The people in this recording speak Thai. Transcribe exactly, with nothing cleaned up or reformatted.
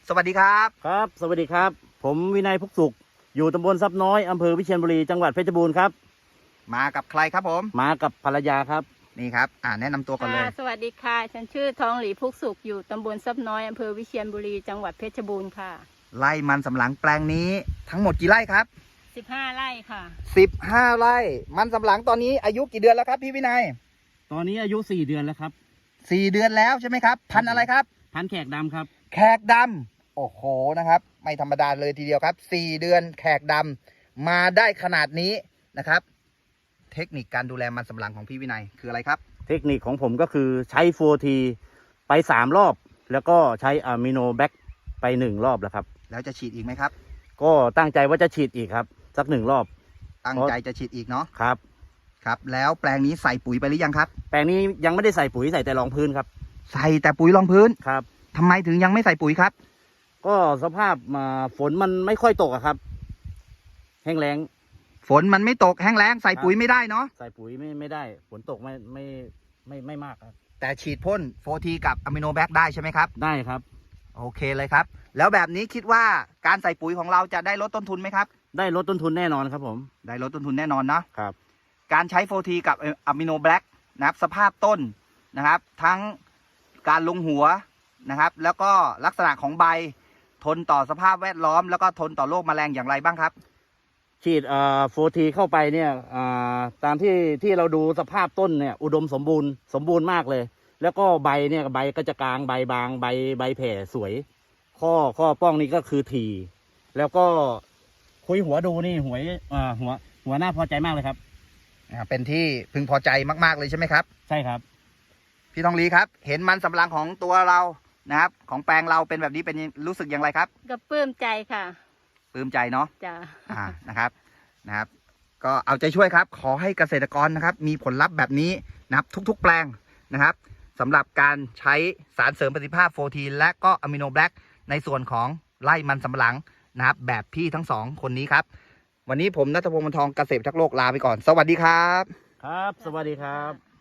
สวัสดีครับครับสวัสดีครับผมวินัยพุกสุขอยู่ตำบลทรัพย์น้อยอำเภอวิเชียรบุรีจังหวัดเพชรบูรณ์ครับมากับใครครับผมมากับภรรยาครับนี่ครับอ่าแนะนำตัวก่อนเลยสวัสดีค่ะฉันชื่อทองหลีพุกสุขอยู่ตำบลทรัพย์น้อยอำเภอวิเชียรบุรีจังหวัดเพชรบูรณ์ค่ะไร่มันสำปะหลังแปลงนี้ทั้งหมดกี่ไร่ครับสิบห้าไร่ค่ะสิบห้าไร่มันสำปะหลังตอนนี้อายุกี่เดือนแล้วครับพี่วินัยตอนนี้อายุสี่เดือนแล้วครับสี่เดือนแล้วใช่ไหมครับพันธุ์อะไรครับพันธุ์แขกดำครับแขกดำโอ้โหนะครับไม่ธรรมดาเลยทีเดียวครับสี่เดือนแขกดำมาได้ขนาดนี้นะครับเทคนิคการดูแลมันสำปะหลังของพี่วินัยคืออะไรครับเทคนิคของผมก็คือใช้ โฟร์ที ไปสามรอบแล้วก็ใช้อะมิโนแบคไปหนึ่งรอบแล้วครับแล้วจะฉีดอีกไหมครับก็ตั้งใจว่าจะฉีดอีกครับสักหนึ่งรอบตั้งใจจะฉีดอีกเนาะครับครับแล้วแปลงนี้ใส่ปุ๋ยไปหรือยังครับแปลงนี้ยังไม่ได้ใส่ปุ๋ยใส่แต่รองพื้นครับใส่แต่ปุ๋ยรองพื้นครับทำไมถึงยังไม่ใส่ปุ๋ยครับก็สภาพมาฝนมันไม่ค่อยตกอะครับแห้งแล้งฝนมันไม่ตกแห้งแล้งใส่ปุ๋ยไม่ได้เนาะใส่ปุ๋ยไม่ไม่ได้ฝนตกไม่ไม่ไม่ไม่มากครับแต่ฉีดพ่น โฟร์ที กับอะมิโนแบคได้ใช่ไหมครับได้ครับโอเคเลยครับแล้วแบบนี้คิดว่าการใส่ปุ๋ยของเราจะได้ลดต้นทุนไหมครับได้ลดต้นทุนแน่นอนครับผมได้ลดต้นทุนแน่นอนนะครับการใช้ โฟร์ที กับอะมิโนแบคนะครับสภาพต้นนะครับทั้งการลงหัวนะครับแล้วก็ลักษณะของใบทนต่อสภาพแวดล้อมแล้วก็ทนต่อโรคแมลงอย่างไรบ้างครับฉีดเอ่อ โฟร์ที เข้าไปเนี่ยอ่าตามที่ที่เราดูสภาพต้นเนี่ยอุดมสมบูรณ์สมบูรณ์มากเลยแล้วก็ใบเนี่ยใบก็จะกลางใบบางใบใบแผ่สวยข้อข้อป้องนี่ก็คือทีแล้วก็คุยหัวดูนี่หัวอ่าหัวหัวหน้าพอใจมากเลยครับอ่าเป็นที่พึงพอใจมากๆเลยใช่ไหมครับใช่ครับพี่ทองลีครับเห็นมันสำปะหลังของตัวเรานะครับของแปลงเราเป็นแบบนี้เป็นรู้สึกอย่างไรครับก็ปลื้มใจค่ะปลื้มใจเนาะจ้าอ่านะครับนะครับก็เอาใจช่วยครับขอให้เกษตรกรนะครับมีผลลัพธ์แบบนี้นะครับทุกๆแปลงนะครับสำหรับการใช้สารเสริมประสิทธิภาพ โฟร์ที และก็อะมิโนแบคในส่วนของไร่มันสำปะหลังนะครับแบบพี่ทั้งสองคนนี้ครับวันนี้ผมณัฐพงศ์ วรรณทองเกษตรทักษ์โลกลาไปก่อนสวัสดีครับครับสวัสดีครับ